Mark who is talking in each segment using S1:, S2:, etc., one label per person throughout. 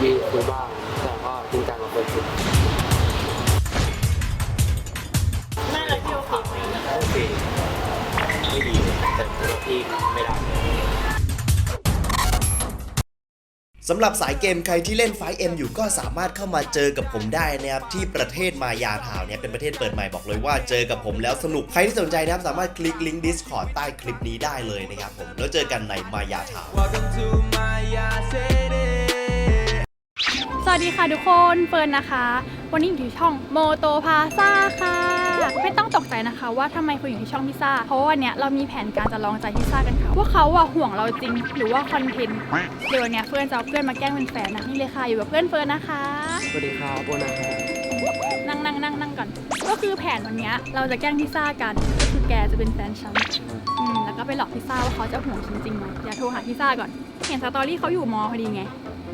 S1: มีคุยบ้างแต่ก็จริงจังกับคนคุย
S2: ไม่แล้วพี่โอเคไหม
S1: โอเคไม่ดีแต่พี่ไม่ได้
S3: สำหรับสายเกมใครที่เล่น 5M อยู่ก็สามารถเข้ามาเจอกับผมได้นะครับที่ประเทศมายาทาวน์เนี่ยเป็นประเทศเปิดใหม่บอกเลยว่าเจอกับผมแล้วสนุกใครที่สนใจนะครับสามารถคลิกลิงก์ Discord ใต้คลิปนี้ได้เลยนะครับผมแล้วเจอกันในมายาทาวน์
S2: สวัสดีค่ะทุกคนเฟิร์นนะคะ วันนี้อยู่ที่ช่องโมโตพาซ่าค่ะไม่ต้องตกใจนะคะว่าทำไมเฟิร์นอยู่ที่ช่องพิซซ่าเพราะว่าวันนี้เรามีแผนการจะลองใจพิซซ่ากันค่ะว่าเขาห่วงเราจริงหรือว่าคอนเทนต์เดี๋ยววันนี้เฟิร์นจะเอาเพื่อนมาแกล้งเป็นแฟนนะนี่เลยค่ะอยู่กับเพื่อนเฟิร์นนะคะ
S1: สวัสดีครับโบนะครับ
S2: นั่งก่อนก็คือแผนวันนี้เราจะแกล้งพิซซ่ากันก็คือแกจะเป็นแฟนฉันแล้วก็ไปหลอกพิซซ่าว่าเขาจะห่วงฉันจริงไหมอย่าโทรหาพิซซ่าก่อนเห็นสตอรี่เขาอยู่มอพอดีไง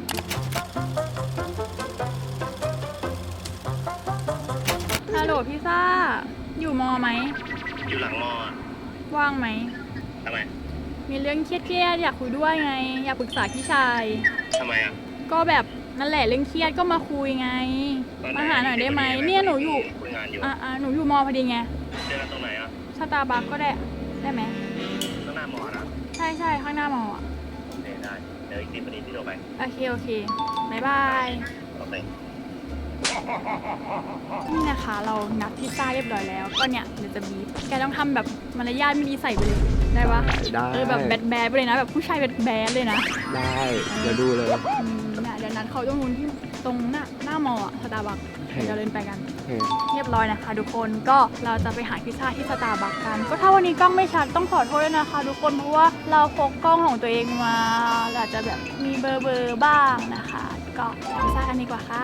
S2: ฮัลโหลพิซซ่าอยู่มอไหม
S4: อยู่หลังมอ
S2: ว่างไหม
S4: ทำไม
S2: มีเรื่องเครียดๆอยากคุยด้วยไงอยากปรึกษาพี่ชาย
S4: ทำไมอ่ะ
S2: ก็แบบนั่นแหละเรื่องเครียดก็มาคุยไงมาหาหน่อยได้ไหมเนี่ยหนูอยู่
S4: คุยงานอยู่
S2: หนูอยู่มอพอดีไง
S4: เจอกันตรงไหนอ่ะ
S2: สตาร์บัคก็ได้ไหม
S4: ข้างหน้ามอนะ
S2: ใช่ข้างหน้ามออ่ะ
S4: โอเคได้เดี๋ยวอีก10 นาทีที่โทรไป
S2: โอเคบ๊ายบาย
S4: โอเค
S2: นี่นะคะเรานัดพิซซ่าเรียบร้อยแล้วก็เนี่ยเดี๋ยวจะบีบแกต้องทำแบบมารยาทไม่ดีใส่ไปเลยได้ปะ
S1: ได้
S2: แบบแบดไปเลยนะแบบผู้ชายแบดเลยนะ
S1: ได้เดี๋ยวดูเลย
S2: เนี่ยเดี๋ยวนัดเขาตรงนู้นที่ตรงหน้ามอสตาร์บัคเดี๋ยวเดินไปกันเรียบร้อยนะคะทุกคนก็เราจะไปหาพิซซ่าที่สตาร์บัคกันก็ถ้าวันนี้กล้องไม่ชัดต้องขอโทษด้วยนะคะทุกคนเพราะว่าเราพกกล้องของตัวเองมาอาจจะแบบมีเบลอบ้างนะคะก็พิซซ่ากันดีกว่าค่ะ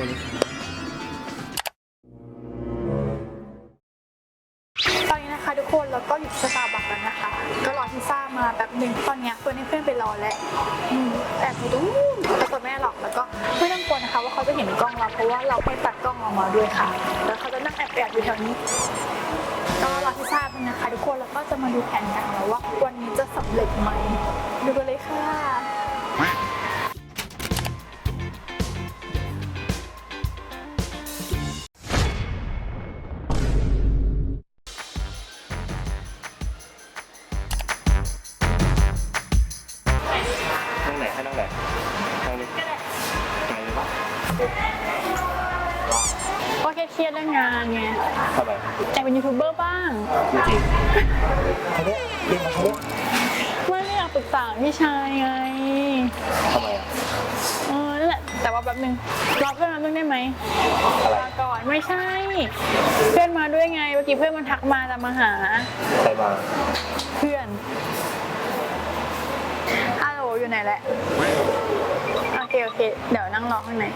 S2: ตอนนี้นะคะทุกคนเราก็อยู่สตาร์บัคแล้วนะคะก็รอพิซซ่ามาแบบหนึ่งตอนนี้เพื่อนให้เพื่อนไปรอแล้วแอบไปดูแต่ตัวแม่หรอกแล้วก็ไม่ต้องกลัวนะคะว่าเขาจะเห็นกล้องเราเพราะว่าเราให้ตัดกล้องออกมาด้วยค่ะแล้วเขาจะนั่งแอบอยู่แถวนี้ก็รอพิซซ่าเป็นนะคะทุกคนแล้วก็จะมาดูแผนกันแล้วว่าวันนี้จะสำเร็จไหมดูกันเลยค่ะ
S4: นั่งไหนให้นั่งไหนนั่งนี้ไหนเลยปะ
S2: ก็เครียดเรื่องงานไง
S4: ทำไม
S2: แต่เป็นยูทูบเบอร์บ้าง
S4: จริงเขาเนี่ยเรียกมาเขาเนี่ย
S2: ไม่อยากปรึกษาพี่ชายไง
S4: ทำไมอ่ะ
S2: นั่นแหละแต่ว่าแบบนึงรอเพื่อนมาได้ไหมรอก่อนไม่ใช่เพื่อนมาด้วยไงเมื่อกี้เพื่อนมันทักมาจะมาหา
S4: ใครมา
S2: เพื่อนฮัลโหลอยู่ไหนแหละโอเคเดี๋ยวนั่งรอข้างใน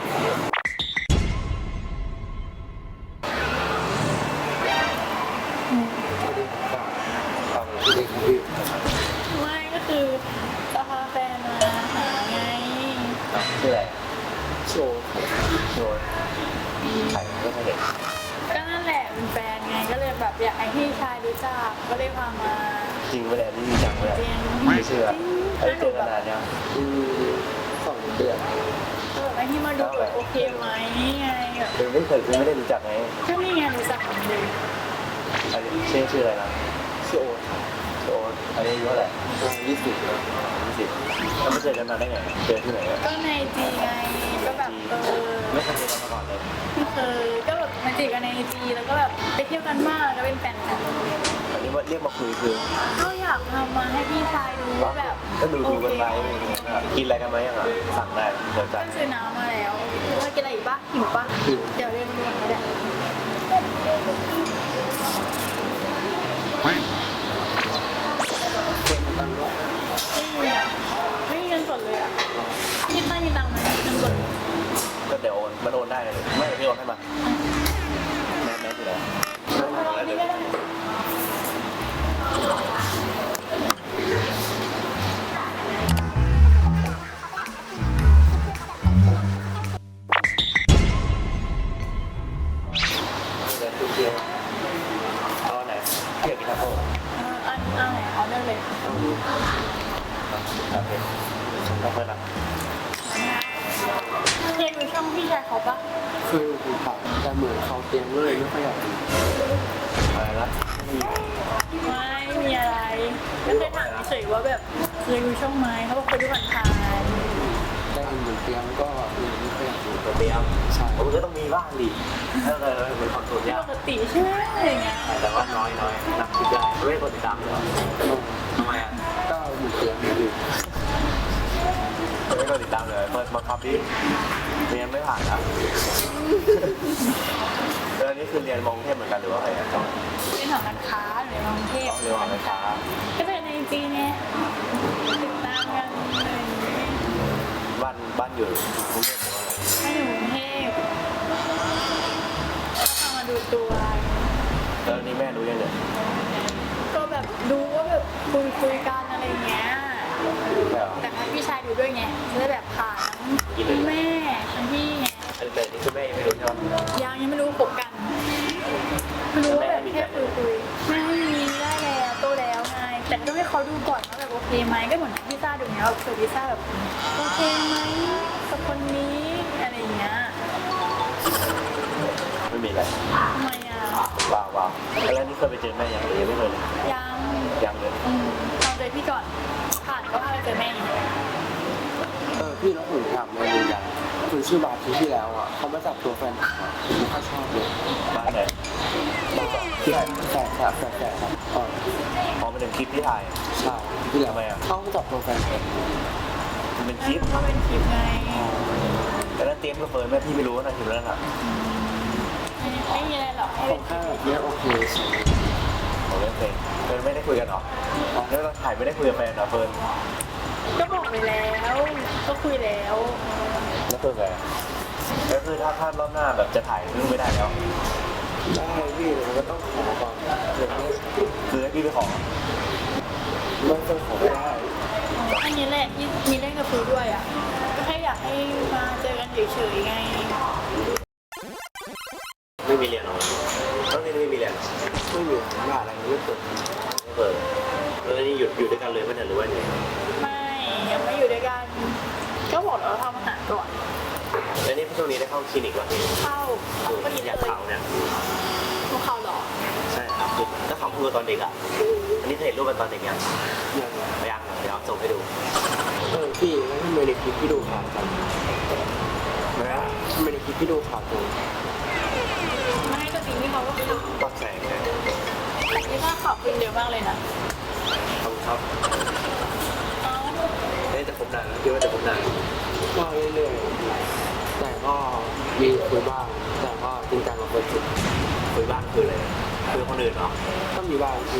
S2: ไม่ก็คือจะพาแฟนมาหาไง
S4: ชื่ออะไรโชว์ใครก็ไม่เห็น
S2: ก็นั่นแหละเป็นแฟนไงก็เลยแบบอยากให้พี่ชายรู้จักก็เลยพามา
S4: จริงไม่ได้ไม่มีจังเลยไม่เชื่อไอ้เจอกันนานยัง2 เดือน
S2: ไอ้ที่มาดูโอเคไหมไงแบบ
S4: ไม่ได้รู้จักไง
S2: ก็นี่ไงรู้จักกันเลย
S4: ชื่ออะไรนะชื่อโอ๊ตอายุเท่าไหร่20แล้วไม่เจอกันนานได้ไงเจอที่ไหน
S2: ก็ในจีไงก็แบบ
S4: ไม่เคยเจอกันมาก่อนเลย
S2: ไม่เคยก็แบบมาจีกันในจีแล้วก็แบบไปเที่ยวกันมากแล้วเป็นแฟนกัน
S4: อันนี้ว่าเรียกมาคุยคือ
S2: ก็อยากทำมาให้พี่ชายดูว่าแบบ
S4: ก็ดูกันไปกินอะไรกันไหมอ่ะสั่งได้เดี๋ยวจัด
S2: ซื้อน้ำมาแล้วว่ากินอะไรอีกปะหิวปะเดี๋ยวเรียนรู้ก็ได้ไม่มีเงินสดเลยอ่ะพี่ตั้งมีตังค์ไหมเงินสด
S4: ก็เดี๋ยวมันโอนได้เลยไม่พี่โอนให้มาแม่อยู่แล้ว
S2: นี่ก็ได้
S4: เอาไหนเกี่ยวกับทัพโป้
S2: เอาไหนเอาได้เลย
S4: โอเคขอบคุณนะ
S2: เคยดูช่องพี่ชายเขาปะ
S5: เคยดูผ่านแต่เหมือนเขาเตรียมเลยไม่ค่อยอยากดู
S4: อะไรนะ
S2: ไม่มีอะไรก็เคยถามเฉยๆว่าแบบเคยดูช่องไหมเขาบอกเคยดูผ่าน
S5: ได้เห็นเหมือนเตรียมก็เลยไม่ค่อยอยากดู
S4: ตัวเตรียม
S5: ใช่
S4: มันก็ต้องมีบ้างดิถ้าเราเป็นคอนโทรล
S2: ๆ
S4: ยาก
S2: ปกติใช่ไหมอะไรเงี้ย
S4: แต่ว่าน้อยนับคิดได้ไม่ได้กดติดตามเลย
S5: ลง
S4: ทำไมอ่ะ
S5: ก็เหมือนเตรียมอยู่
S4: ไม่ได้กดติดตามเลยเปิดบังคับดิเรียนไม่ผ่านอ่ะแล้วนี่คือเรียนมองเทพเหมือนกันหรือว่าอะไรอ่ะ
S2: เป็นของการค้าหรือในกรุงเทพ
S4: เรียนมองการค้า
S2: ก็จะในจีนเนี่ยติดตามกันอะไรอย่างเงี้ย
S4: บ้านอยู่กรุงเทพหรือว่าอะไร
S2: ให้อยู่กรุงเทพก็ทำมาดูตัว
S4: แล้วนี่แม่รู้ยังเนี่ย
S2: ก็แบบดูว่าแบบคุยกันอะไรเงี้ย
S4: ใช่เหรอ
S2: แต่ให้พี่ชายดูด้วยไงจะได้แบบผ่านทั้งแม่ทั้งพี่ไง
S4: แต่นี่คือแม่ยังไม่รู้ใช่ไหม
S2: ยังไม่รู้ปกกันไม่รู้ว่าแบบแค่คุยไม่มีได้แล้วโตแล้วไงแต่ต้องให้เขาดูก่อนว่าแบบโอเคไหมก็เหมือนพี่ซ่าดูเนี้ยแบบเคยพี่ซ่าแบบโอเคไหมกับคนนี้อะไรอย่างเงี้ย
S4: ไม่มีอะไร
S2: ทำไมอ่ะ
S4: ว้าวแล้วนี่เคยไปเจอแม่ยังหรือยังไม่เคยเลย
S2: ยัง
S4: ยังเลย
S2: ตอนเจอพี่ก่อนผ่านก็พาไปเจอแม่อยู่
S5: พี่แล้วผมถามในวงการคุณชื่อบาร์ทีที่แล้วอ่ะเขามาจับตัวแฟนผมอ่ะผมไม่ค่อยชอบเลย
S4: บ้านไหน
S5: แฟนครับ
S4: พอมาถึงคลิปที่ถ่าย
S5: ใช่ที่แล้ว
S4: ทำไมอ่ะ
S5: เขามาจับตัวแฟนผม
S4: มันเป็นคลิป
S2: ก็เป็นคลิปไง
S4: แต่นั้นเตรียมกับเฟิร์นแม่พี่ไม่รู้ว่านั่นคลิปนั้นอ่ะ
S2: ไม่มีอะไรหรอกให้
S5: ผ
S2: เป็น
S5: มแค่แบบเนี้ยโอเคใช่
S4: ผมเล่นเพลงเฟิร์นไม่ได้คุยกันหรอแล้วเราถ่ายไม่ได้คุยกับแฟนเหรอเฟิร์น
S2: ก็บอกไปแล้ว ก็คุยแล้ว
S4: แล้วเฟิร์นไงก็คือถ้ารอบหน้าแบบจะถ่ายเรื่องไม่ได้แล้ว
S5: ได้พี่แต่มันก็ต้องขอก่อนเดี๋ยวนี้
S4: คือให้พี่ไปขอ
S5: ไม่ต้องขอไม่ได้
S2: อันนี้แหละที่มีเล่นกับคุยด้วยอ่ะ ก็แค่อยากให้มาเจอกันเฉยๆไง
S4: ไม่มีเรียนหรอต้องนี่ไม่มีเรียน
S5: ไม่มีงานอะไรไม่เปิด
S4: ไม่เปิดแล้วนี่หยุดด้วยกันเลยไม่ใช่หรือว่าไง
S2: ไม่ยังไม่อยู่ด้วยกัน ก็บอกแล้วว่าทำอาหารก่อน
S4: แล้วนี่ช่วงนี้ได้เข้าคลินิกวะ
S2: เข้า
S4: คือ
S2: ก็ดี
S4: อ
S2: เลย
S4: ากเขาเนี่ย
S2: พวกเขาเหรอ
S4: ใช่ครับคือถ้าเขาพูดตอนเด็กอ่ะอันนี้เคยเห็นรูปมันตอนเด็กยัง
S5: ยัง
S4: ยังเดี๋ยวส่งให้ดู
S5: พี่แล้วทำไมในคลิปพี่ดูข่าวจัง
S4: นะ
S5: ทำไมในคลิปพี่ดูข่าวจัง
S2: ไม่ให้ตัวจริงที่เขาก็ขับ
S4: ปักแสงนะ
S2: นี่ถ้าขับขึ้นเร็วมากเลยนะ
S4: ขอบคุณครับ
S2: เอ้า
S4: ได้จะคบนานแล้วคิดว่าจะคบนาน
S5: ก็เรื่อยๆแต่ก็มีคุยบ้าง แต่ก็จริงจังกับคนอื่น
S4: คุยบ้างคืออะไรคุยกับคนอื่นเหรอ
S5: ก็มีบ้างที่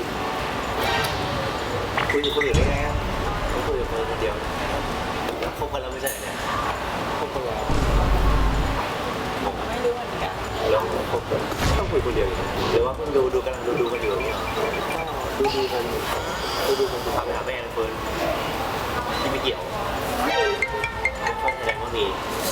S4: คุยกับคนอื่นได้ไงอ่ะไม่คุยกับคนเดียวคบกันแล้วไม่ใช่เนี่ย
S5: คบกันแล้ว
S2: ไม่รู้เหมือนกัน
S4: แล้วคบกันต้องคุยคนเดียวอยู่หรือว่าเพิ่งดูกันดูกันอยู่อย่างเงี้ย
S5: ก็ดูกันดูกัน
S4: พาไปหาแม่เฟิร์นที่ไม่เกี่ยวข้อแสดงว่ามี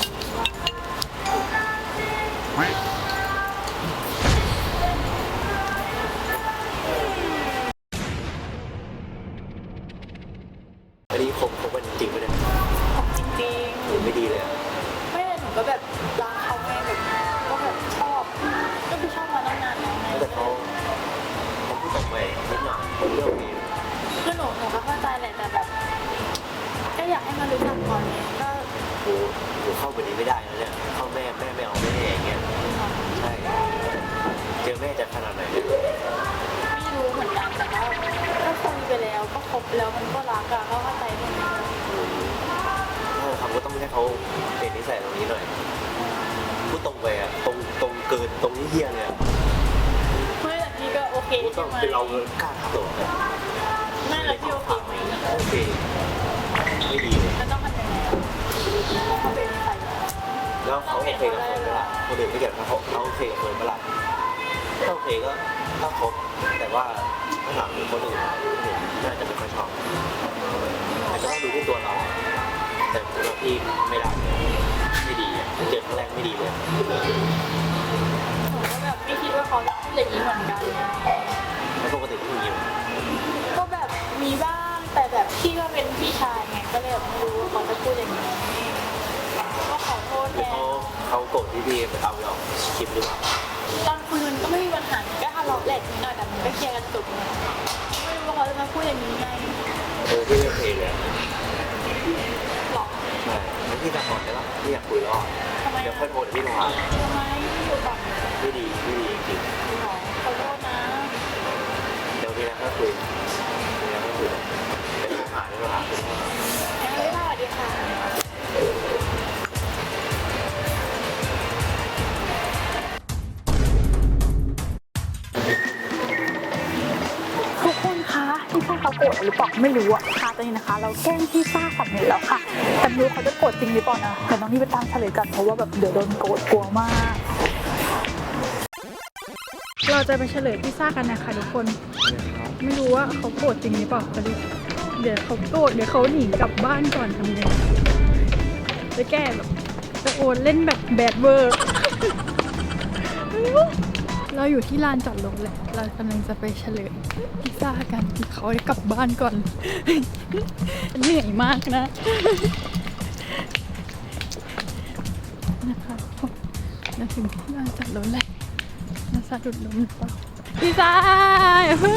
S4: อันนี้คบกันจริงไหมเนี่ย
S2: ของจริง
S4: หรือไม่ดีเลยอ่ะ
S2: ๆไม่แต่หนูก็แบบรักเขาไงแบบก็แบบชอบ ก็คือชอบมาตั้งนานแล้วไง
S4: แต่เขาพูดตรงไปนิดหน่อยผมเรื่องนี้
S2: คือหนูก็เข้าใจแหละแต่แบบก็อยากให้มารู้จักก่อนไงก็
S4: โอ้โหเข้าไปนี้ไม่ได้แล้วเนี่ยเข้าแม่ไม่เอาแม่อย่างเงี้ยใช่เจอแม่จะขนาดไหนเนี่ย
S2: ไม่รู้เหมือนกันแต่ว่าถ้าคุยไปแล้วก็คบแล้วมันก็รักอะก็เข้าใจตรงนี้
S4: ทำก็ต้องให้เขาเปลี่ยนนิสัยตรงนี้หน่อยพูดตรงไปอะตรงเกินตรงนี้เฮี้ยเลยอะ
S2: ไม่แต่พี่ก็โอเค
S4: พูดต้
S2: ใช่
S4: อง
S2: ไหม
S4: เป็นเรากล้าทำตัวเนี่ย
S2: ไม่แล้วพี่โอเคไหม
S4: โอเคไม่ดีเลย
S2: แล้วต้องทำยังไงอะเขาเป็นใครอะ
S4: แล้วเขาโอเคกับเฟิร์นเวลาคนอื่นไม่เกี่ยวกับเขาโอเคกับเฟิร์นเวลาถ้าโอเคก็ถ้าคบแต่ว่าถ้าถามคนอื่นน่าจะไม่ค่อยชอบแต่ก็ต้องดูที่ตัวเราอะแต่ตัวพี่ไม่ได้ไม่ดีอะเจอครั้งแรกไม่ดีเลย
S2: หนูก็แบบไม่คิดว่าเขาจะพูดอย่างนี้เหมือนกัน
S4: แล้วปกติก็มีอยู่
S2: ก็แบบมีบ้างแต่แบบพี่ก็เป็นพี่ชายไงก็เลยแบบไม่รู้ว่าเขาจะพูดอย่างนี้ก็
S4: เขาโกรธที่พี่เอาไปออกคลิปหรือเปล่า
S2: ตอนคุยมันก็ไม่มีปัญหาก็ทะเลาะแหลกนิดหน่อยแต่มันก็เคลียร์กันจบไงไม่รู้ว่าเขาจะมาพูดอย่างนี้ไง
S4: พี่ไม่โอเคเลย
S2: หรอ
S4: ไม่งั้นพี่กลับก่อนได้ปะพี่อยากคุยแล้ว
S2: ทำไม
S4: เดี๋ยวค่อยโทรเดี๋ยวพี่โทรหา
S2: ทำไมอยู่ก่อน
S4: ไม่ดีจริง
S2: หรอขอโทษนะ
S4: ๆเดี๋ยวมีอะไรค่อยคุยมีอะไรค่อยคุยเดี๋ยวโทรหาเดี๋ยวโทรหาคุณพ่อ
S2: สวัสดีค่ะทุกคนคะพี่ฟ้าเขาโกรธหรือเปล่าไม่รู้อะค่ะตอนนี้นะคะ เราแกล้งพี่ฟ้าสำเร็จแล้วค่ะแต่ไม่รู้เขาจะโกรธจริงหรือเปล่านะแต่น้องนี่ไปตามเฉลยกันเพราะว่าแบบเดี๋ยวโดนโกรธกลัวมาก เราจะไปเฉลยพิซซ่ากันนะคะทุกคนไม่รู้ว่าเขาโกรธจริงหรือเปล่าแต่เดี๋ยวเขาโกรธเดี๋ยวเขาหนีกลับบ้านก่อนทำไงจะแก้แบบจะโอนเล่นแบบแบดเวอร์ เราอยู่ที่ลานจอดรถแหละเรากำลังจะไปเฉลยพิซซ่ากันเขาให้กลับบ้านก่อน เหนื่อยมากนะ นะคะเราถึงที่ลานจอดรถแล้วน่าสะดุดล้มหรือเปล่าพิซซ่าอย่าเพิ่ง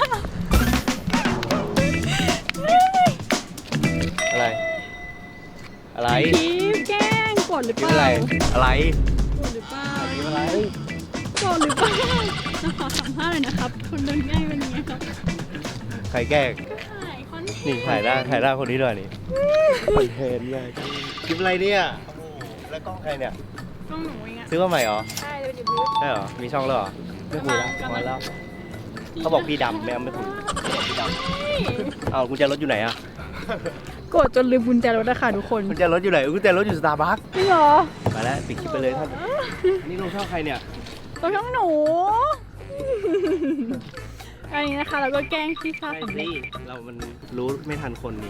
S1: อะไร
S2: พีฟแกล้งโกรธหรือเปล่า
S1: อะไร
S2: โกรธหรือเปล่า
S1: อะไร
S2: โกรธหรือเปล่าขอสัมภาษณ์หน่อยนะครับคนเดินง่ายเป็นยังไงครับ
S1: ใครแกล้ง
S2: ก็ถ่ายคอนเทนต์
S1: นี่ถ่ายหน้าคนนี้ด้วยนี่คอนเทนต์เลยคลิปอะไรเนี่ยโอ้โหแล้วกล้องใครเนี่ย
S2: กล้องหนูเองอะ
S1: ซื้อมาใหม่เหรอ
S2: ใช่เลยอยู่บูธ
S1: ใช่เหรอ มีช่องแล้วเหรอ ไม่คุยแล้วพอแล้ว เขาบอกพี่ดำไม่ถูกพี่ดำเอากุญแจรถอยู่ไหนอะ
S2: โกรธจนลืมกุญแจรถนะคะทุกคน
S1: กุญแจรถอยู่ไหนกุญแจรถอยู่สตาร์บัค
S2: จริงเหรอ
S1: ไปแล้วปิดคลิปไปเลยท่านอันนี้ลงช่องใครเนี่ย
S2: ตัวช่องหนู อันนี้นะคะเราก็แกล้งพี่ฟ้า
S1: ใช่
S2: สำเร็
S1: สิ
S2: จ
S1: เรามันรู้ไม่ทันคนนี่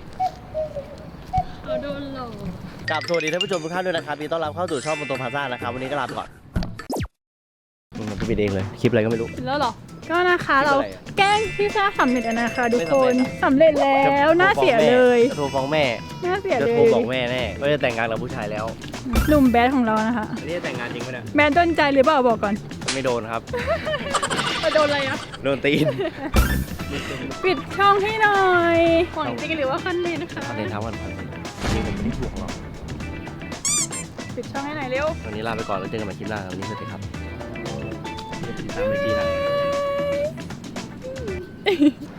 S2: เราโดนหลอก
S1: กลับสวัสดีท่านผู้ชมทุกท่านด้วยนะครับยินดีต้อนรับเข้าสู่ช่องบนโตพาซ่านะครับวันนี้ก็ลาไปก่อนมันปิดเองเลยคลิปอะไรก็ไม่รู้
S2: เสร็จแล้วเหรอ ก็นะคะ
S1: คลิป
S2: เรา
S1: อะไรอะ
S2: แกล้งพี่ฟ้าสำเร็จแล้วนะคะทุกคน
S1: ไม่
S2: สำเร็จแล้วน่าเสียเลย
S1: จะโทรฟ้องแม่
S2: น่าเสีย
S1: จะ
S2: เล
S1: โทร
S2: ย
S1: บอกแม่แน่ว่าจะแต่งงานกับผู้ชายแล้ว
S2: หนุ่มแบดของเรานะคะ
S1: อันนี้จะแต่งงานจริงไหมเนี่ย
S2: แบดโดนใจหรือเปล่าบอกก่อน
S1: ไม่โดนครับ
S2: โดนอะไรอะ
S1: โดนตีน
S2: ปิดช่องให้หน่อยของจริงหรือว่าคันเลนนะคะ
S1: คอนเทนต์ทั้งวันพันจริงผมไม่ได้ถ่วงหรอก
S2: ปิดช่องให้หน่อยเร็ว
S1: วันนี้ลาไปก่อนแล้วเจอกันใหม่คลิปหน้าวันนี้สวัสดีครับติดตามไอจีนะ